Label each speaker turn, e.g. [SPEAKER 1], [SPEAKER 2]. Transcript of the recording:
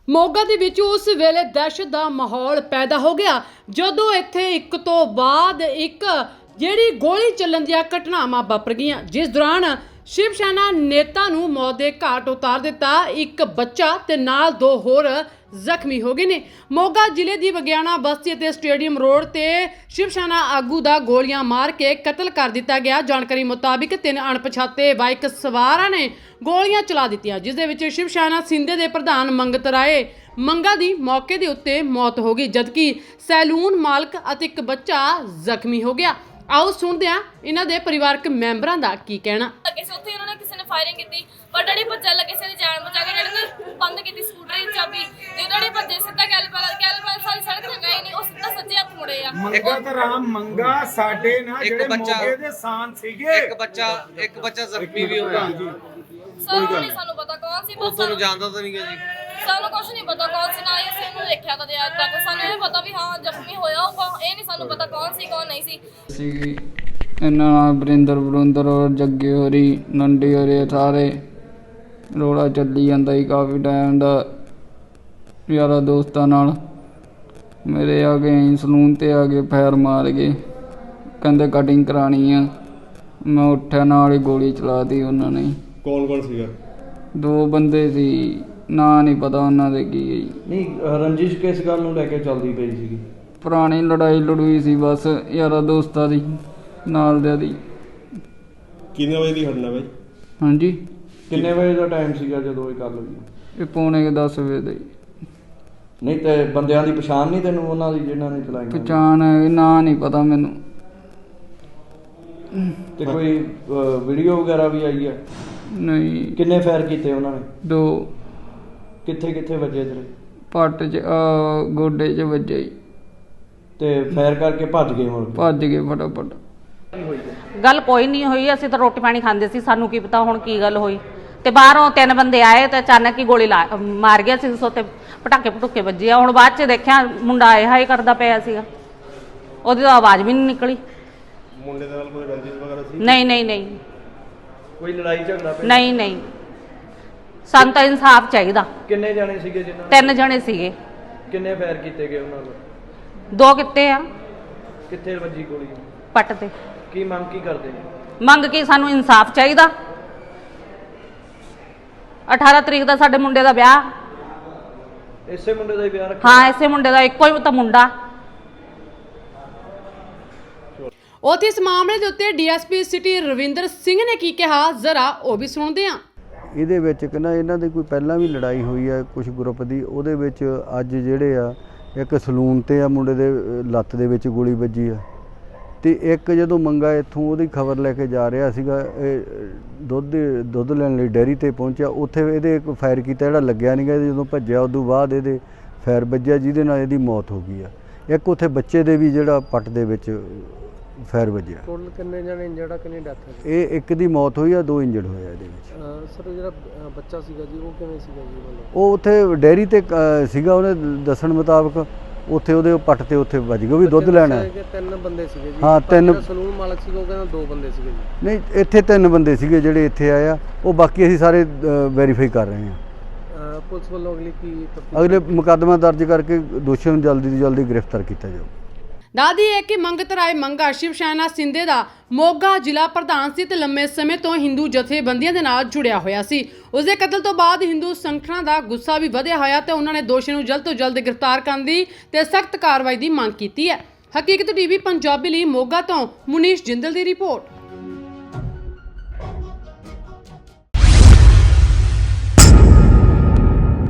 [SPEAKER 1] ਮੋਗਾ ਦੇ ਵਿੱਚ ਉਸ ਵੇਲੇ ਦਹਿਸ਼ਤ ਦਾ ਮਾਹੌਲ ਪੈਦਾ ਹੋ ਗਿਆ ਜਦੋਂ ਇੱਥੇ ਇੱਕ ਤੋਂ ਬਾਅਦ ਇੱਕ ਜਿਹੜੀ ਗੋਲੀ ਚੱਲਣ ਦੀਆਂ ਘਟਨਾਵਾਂ ਵਾਪਰ ਗਈਆਂ, ਜਿਸ ਦੌਰਾਨ ਸ਼ਿਵ ਸੈਨਾ ਨੇਤਾ ਨੂੰ ਮੌਤ ਦੇ ਘਾਟ ਉਤਾਰ ਦਿੱਤਾ। ਇੱਕ ਬੱਚਾ ਤੇ ਨਾਲ ਦੋ ਹੋਰ ਜ਼ਖਮੀ ਹੋ ਗਏ ਨੇ। ਮੋਗਾ ਜ਼ਿਲ੍ਹੇ ਦੀ ਬਗਿਆਣਾ ਬਸਤੀ ਅਤੇ ਸਟੇਡੀਅਮ ਰੋਡ ਤੇ ਸ਼ਿਵ ਸੈਨਾ ਆਗੂ ਦਾ ਗੋਲੀਆਂ ਮਾਰ ਕੇ ਕਤਲ ਕਰ ਦਿੱਤਾ ਗਿਆ। ਜਾਣਕਾਰੀ ਮੁਤਾਬਿਕ 3 ਅਣਪਛਾਤੇ ਬਾਈਕ ਸਵਾਰਾਂ ਨੇ ਗੋਲੀਆਂ ਚਲਾ ਦਿੱਤੀਆਂ, ਜਿਸ ਦੇ ਵਿੱਚ ਸ਼ਿਵ ਸੈਨਾ ਸਿੰਧੇ ਦੇ ਪ੍ਰਧਾਨ ਮੰਗਤ ਰਾਏ ਮੰਗਾ ਦੀ ਮੌਕੇ ਦੇ ਉੱਤੇ ਮੌਤ ਹੋ ਗਈ, ਜਦਕਿ ਸੈਲੂਨ ਮਾਲਕ ਅਤੇ ਇੱਕ ਬੱਚਾ ਜ਼ਖਮੀ ਹੋ ਗਿਆ। ਆਓ ਸੁਣਦੇ ਹਾਂ ਇਹਨਾਂ ਦੇ ਪਰਿਵਾਰਕ ਮੈਂਬਰਾਂ ਦਾ ਕੀ ਕਹਿਣਾ।
[SPEAKER 2] ਉੱਥੇ ਉਹਨਾਂ ਨੇ ਕਿਸੇ ਨੇ ਫਾਇਰਿੰਗ ਕੀਤੀ ਪਰ ਡੈਡੀ ਭੱਜਣ ਲੱਗੇ ਸੀ, ਜਾਨ ਬਚਾ ਕੇ ਡੈਡੀ ਨੇ ਬੰਦ ਕੀਤੀ ਸਕੂਟਰ ਦੀ ਚਾਬੀ ਤੇ ਉਹਨਾਂ ਨੇ ਭੱਜੇ ਸਿੱਧਾ ਕੈਲਪਰ ਸਾਰੀ ਸੜਕ ਤੇ ਗਏ ਨਹੀਂ, ਉਹ ਸਿੱਧਾ ਸੱਜੇ ਹੱਥ ਮੁੜੇ ਆ।
[SPEAKER 3] ਮੰਗਤ ਰਾਮ ਮੰਗਾ ਸਾਡੇ ਨਾਲ ਜਿਹੜੇ ਮੋਗੇ ਦੇ ਸਾਨ ਸੀਗੇ,
[SPEAKER 4] ਇੱਕ ਬੱਚਾ ਜ਼ਖਮੀ ਵੀ ਹੋਇਆ।
[SPEAKER 2] ਸਾਨੂੰ ਨਹੀਂ ਸਾਨੂੰ ਪਤਾ ਕੌਣ ਸੀ,
[SPEAKER 4] ਉਹ ਤੁਹਾਨੂੰ ਜਾਣਦਾ ਤਾਂ ਨਹੀਂ ਹੈ ਜੀ?
[SPEAKER 2] ਸਾਨੂੰ ਕੁਝ ਨਹੀਂ ਪਤਾ ਕੌਣ ਸੀ, ਨਾ ਹੀ ਅਸੀਂ ਉਹਨੂੰ ਦੇਖਿਆ ਕਦੇ ਅੱਜ ਤੱਕ। ਸਾਨੂੰ ਇਹ ਪਤਾ ਵੀ ਹਾਂ ਜ਼ਖਮੀ ਹੋਇਆ ਹੋਊਗਾ, ਇਹ ਨਹੀਂ ਸਾਨੂੰ ਪਤਾ ਕੌਣ ਸੀ ਕੌਣ ਨਹੀਂ ਸੀ।
[SPEAKER 5] ਇਹਨਾਂ ਨਾਲ ਬਰਿੰਦਰ ਔਰ ਜੱਗੇ ਹੋਰੀ ਨੰਡੀ ਹੋਰੇ ਸਾਰੇ ਰੋਲਾ ਚੱਲੀ ਜਾਂਦਾ ਸੀ ਕਾਫੀ ਟਾਈਮ ਦਾ ਯਾਰਾਂ ਦੋਸਤਾਂ ਨਾਲ। ਮੇਰੇ ਆ ਗਏ ਸਲੂਨ ਤੇ ਆ ਕੇ ਫੈਰ ਮਾਰ ਗਏ, ਕਹਿੰਦੇ ਕਟਿੰਗ ਕਰਾਣੀ ਆ। ਮੈਂ ਉੱਠਿਆ ਨਾਲ ਹੀ ਗੋਲੀ ਚਲਾਤੀ ਉਹਨਾਂ ਨੇ।
[SPEAKER 6] ਕੌਣ ਸੀਗਾ?
[SPEAKER 5] 2 ਬੰਦੇ ਸੀ, ਨਾਂ ਨਹੀਂ ਪਤਾ ਉਹਨਾਂ ਦੇ ਕੀ ਹੈ ਜੀ।
[SPEAKER 6] ਨਹੀਂ ਰੰਜਿਸ਼ ਕਿਸ ਗੱਲ ਨੂੰ ਲੈ ਕੇ ਚੱਲਦੀ ਪਈ ਸੀਗੀ?
[SPEAKER 5] ਪੁਰਾਣੀ ਲੜਾਈ ਸੀ ਬਸ ਯਾਰਾਂ ਦੋਸਤਾਂ ਦੀ ਨਾਲ ਦੇ ਦੀ।
[SPEAKER 6] ਕਿੰਨੇ ਵਜੇ ਦੀ ਘਟਨਾ ਬਾਈ?
[SPEAKER 5] ਹਾਂਜੀ,
[SPEAKER 6] ਕਿੰਨੇ ਵਜੇ ਦਾ ਟਾਈਮ ਸੀਗਾ ਜਦੋਂ ਇਹ ਗੱਲ ਹੋਈ?
[SPEAKER 5] ਇਹ ਪੌਣੇ 10 ਵਜੇ ਦਾ ਜੀ।
[SPEAKER 6] ਨਹੀਂ ਤੇ ਬੰਦਿਆਂ ਦੀ ਪਛਾਣ ਨਹੀਂ ਤੈਨੂੰ ਉਹਨਾਂ ਦੀ ਜਿਨ੍ਹਾਂ ਨੇ ਚਲਾਈ?
[SPEAKER 5] ਪਛਾਣ ਹੈ, ਨਾਂ ਨਹੀਂ ਪਤਾ ਮੈਨੂੰ।
[SPEAKER 6] ਤੇ ਕੋਈ ਵੀਡੀਓ ਵਗੈਰਾ ਵੀ ਆਈ ਹੈ?
[SPEAKER 5] ਨਹੀਂ।
[SPEAKER 6] ਕਿੰਨੇ ਫਾਇਰ ਕੀਤੇ ਉਹਨਾਂ ਨੇ?
[SPEAKER 5] 2
[SPEAKER 6] ਕਿੱਥੇ ਵੱਜੇ ਤੇਰੇ?
[SPEAKER 5] ਪੱਟ 'ਚ ਗੋਡੇ 'ਚ ਵੱਜੇ ਜੀ।
[SPEAKER 6] ਤੇ ਫਾਇਰ ਕਰਕੇ ਭੱਜ ਗਏ ਮੁੜ ਕੇ?
[SPEAKER 5] ਭੱਜ ਗਏ ਫਟਾਫਟ।
[SPEAKER 7] ਗੱਲ ਕੋਈ ਨਹੀਂ ਹੋਈ, ਅਸੀਂ ਤਾਂ ਰੋਟੀ ਪਾਣੀ ਖਾਂਦੇ ਸੀ, ਸਾਨੂੰ ਕੀ ਪਤਾ ਹੁਣ ਕੀ ਗੱਲ ਹੋਈ। ਤੇ ਬਾਹਰੋਂ 3 ਬੰਦੇ ਆਏ ਤੇ ਅਚਾਨਕ ਹੀ ਗੋਲੀ ਮਾਰ ਗਿਆ ਸੀ, ਤੇ ਪਟਾਕੇ ਵੱਜੇ ਆ। ਹੁਣ ਬਾਅਦ ਚ ਦੇਖਿਆ ਮੁੰਡਾ ਆਏ ਹਾਏ ਕਰਦਾ ਪਿਆ ਸੀਗਾ, ਉਹਦੀ ਤਾਂ ਆਵਾਜ਼ ਵੀ ਨਹੀਂ ਨਿਕਲੀ।
[SPEAKER 6] ਮੁੰਡੇ ਦੇ ਨਾਲ ਕੋਈ ਰੰਜਿਸ਼ ਵਗੈਰਾ ਸੀ?
[SPEAKER 7] ਨਹੀਂ
[SPEAKER 6] ਕੋਈ ਲੜਾਈ ਝਗੜਾ ਪਿਆ?
[SPEAKER 7] ਨਹੀਂ ਸਾਨੂੰ ਤਾਂ ਇਨਸਾਫ ਚਾਹੀਦਾ।
[SPEAKER 6] ਕਿੰਨੇ ਜਾਣੇ ਸੀਗੇ ਜਿਨ੍ਹਾਂ?
[SPEAKER 7] 3 ਜਣੇ ਸੀਗੇ।
[SPEAKER 6] ਕਿੰਨੇ ਫਾਇਰ ਕੀਤੇ ਗਏ ਉਹਨਾਂ ਨੂੰ?
[SPEAKER 7] 2 ਕਿੱਤੇ ਆ।
[SPEAKER 6] ਕਿੱਥੇ ਵੱਜੀ ਗੋਲੀ?
[SPEAKER 7] ਪੱਟ ਤੇ।
[SPEAKER 6] ਕੀ ਮੰਗ ਕੀ ਕਰਦੇ?
[SPEAKER 7] ਮੰਗ ਕੇ ਸਾਨੂੰ ਇਨਸਾਫ ਚਾਹੀਦਾ। 18 ਤਰੀਕ ਦਾ ਸਾਡੇ ਮੁੰਡੇ ਦਾ ਵਿਆਹ।
[SPEAKER 6] ਇਸੇ ਮੁੰਡੇ ਦਾ ਹੀ ਵਿਆਹ ਰੱਖਿਆ?
[SPEAKER 7] ਹਾਂ, ਇਸੇ ਮੁੰਡੇ ਦਾ, ਇੱਕੋ ਹੀ ਤਾਂ ਮੁੰਡਾ।
[SPEAKER 1] ਉੱਥੇ ਇਸ ਮਾਮਲੇ ਦੇ ਉੱਤੇ ਡੀਐਸਪੀ ਸਿਟੀ ਰਵਿੰਦਰ ਸਿੰਘ ਨੇ ਕੀ ਕਿਹਾ, ਜ਼ਰਾ ਉਹ ਵੀ ਸੁਣਦੇ ਹਾਂ।
[SPEAKER 8] ਇਹਦੇ ਵਿੱਚ ਕਹਿੰਦਾ ਇਹਨਾਂ ਦੀ ਕੋਈ ਪਹਿਲਾਂ ਵੀ ਲੜਾਈ ਹੋਈ ਹੈ ਕੁਝ ਗਰੁੱਪ ਦੀ, ਉਹਦੇ ਵਿੱਚ ਅੱਜ ਜਿਹੜੇ ਆ ਇੱਕ ਸਲੂਨ ਤੇ ਆ ਮੁੰਡੇ ਦੇ ਲੱਤ ਦੇ ਵਿੱਚ ਗੋਲੀ ਵੱਜੀ ਆ। ਤੇ ਇੱਕ ਜਦੋਂ ਮੰਗਾ ਇੱਥੋਂ ਉਹਦੀ ਖਬਰ ਲੈ ਕੇ ਜਾ ਰਿਹਾ ਸੀਗਾ, ਦੁੱਧ ਲੈਣ ਲਈ ਡੈਰੀ ਤੇ ਪਹੁੰਚਿਆ, ਉੱਥੇ ਇਹਦੇ ਇੱਕ ਫਾਇਰ ਕੀਤਾ ਜਿਹੜਾ ਲੱਗਿਆ ਨਹੀਂ ਗਾ। ਜਦੋਂ ਭੱਜਿਆ ਉਦੋਂ ਬਾਅਦ ਇਹਦੇ ਫਾਇਰ ਵੱਜਿਆ, ਜਿਹਦੇ ਨਾਲ ਇਹਦੀ ਮੌਤ ਹੋ ਗਈ ਆ। ਇੱਕ ਉੱਥੇ ਬੱਚੇ ਦੇ ਵੀ ਜਿਹੜਾ ਪੱਟ ਦੇ ਵਿੱਚ ਫਾਇਰ ਵੱਜਿਆ।
[SPEAKER 9] ਟੋਟਲ ਕਿੰਨੇ ਜਣੇ ਇੰਜਰਡ ਆ, ਕਿੰਨੀ ਡੈਥ ਹੈ?
[SPEAKER 8] ਇਹ ਇੱਕ ਦੀ ਮੌਤ ਹੋਈ ਆ, 2 ਇੰਜਰਡ ਹੋਏ ਆ ਇਹਦੇ ਵਿੱਚ।
[SPEAKER 9] ਸਰ ਜਿਹੜਾ ਬੱਚਾ ਸੀਗਾ ਜੀ ਉਹ ਕਿਵੇਂ ਸੀਗਾ ਜੀ?
[SPEAKER 8] ਉਹ ਉੱਥੇ ਡੈਰੀ ਤੇ ਸੀਗਾ, ਉਹਨੇ ਦੱਸਣ ਮੁਤਾਬਕ ਉੱਥੇ ਉਹਦੇ ਪੱਟ ਤੇ ਉੱਥੇ ਵੱਜ ਗਿਆ, ਉਹ ਵੀ ਦੁੱਧ ਲੈਣਾ।
[SPEAKER 9] 3 ਬੰਦੇ ਸੀਗੇ ਜੀ?
[SPEAKER 8] ਹਾਂ 3।
[SPEAKER 9] ਸਲੂਨ ਮਾਲਕ ਸੀਗਾ ਉਹ ਕਹਿੰਦਾ 2 ਬੰਦੇ ਸੀਗੇ ਜੀ?
[SPEAKER 8] ਨਹੀਂ, ਇੱਥੇ 3 ਬੰਦੇ ਸੀਗੇ ਜਿਹੜੇ ਇੱਥੇ ਆਏ ਆ, ਉਹ ਬਾਕੀ ਅਸੀਂ ਸਾਰੇ ਵੈਰੀਫਾਈ ਕਰ ਰਹੇ ਹਾਂ।
[SPEAKER 9] ਪੁਲਿਸ ਵੱਲੋਂ
[SPEAKER 8] ਅਗਲੇ ਮੁਕੱਦਮਾ ਦਰਜ ਕਰਕੇ ਦੋਸ਼ੀਆਂ ਨੂੰ ਜਲਦੀ ਤੋਂ ਜਲਦੀ ਗ੍ਰਿਫਤਾਰ ਕੀਤਾ ਜਾਊ।
[SPEAKER 1] ਦੱਸਦੀ ਹੈ ਕਿ ਮੰਗਤ ਰਾਏ ਮੰਗਾ ਸ਼ਿਵ ਸੈਨਾ ਸਿੰਧੇ ਦਾ ਮੋਗਾ ਜ਼ਿਲ੍ਹਾ ਪ੍ਰਧਾਨ ਸੀ ਤੇ ਲੰਮੇ ਸਮੇਂ ਤੋਂ ਹਿੰਦੂ ਜਥੇਬੰਦੀਆਂ ਦੇ ਨਾਲ ਜੁੜਿਆ ਹੋਇਆ ਸੀ। ਉਸਦੇ ਕਤਲ ਤੋਂ ਬਾਅਦ ਹਿੰਦੂ ਸੰਗਠਨਾਂ ਦਾ ਗੁੱਸਾ ਵੀ ਵਧਿਆ ਹੋਇਆ ਤੇ ਉਹਨਾਂ ਨੇ ਦੋਸ਼ੀ ਨੂੰ ਜਲਦ ਤੋਂ ਜਲਦ ਗ੍ਰਿਫਤਾਰ ਕਰਨ ਦੀ ਤੇ ਸਖਤ ਕਾਰਵਾਈ ਦੀ ਮੰਗ ਕੀਤੀ ਹੈ। ਹਕੀਕਤ ਟੀਵੀ ਪੰਜਾਬੀ ਲਈ ਮੋਗਾ ਤੋਂ ਮੁਨੀਸ਼ ਜਿੰਦਲ ਦੀ ਰਿਪੋਰਟ।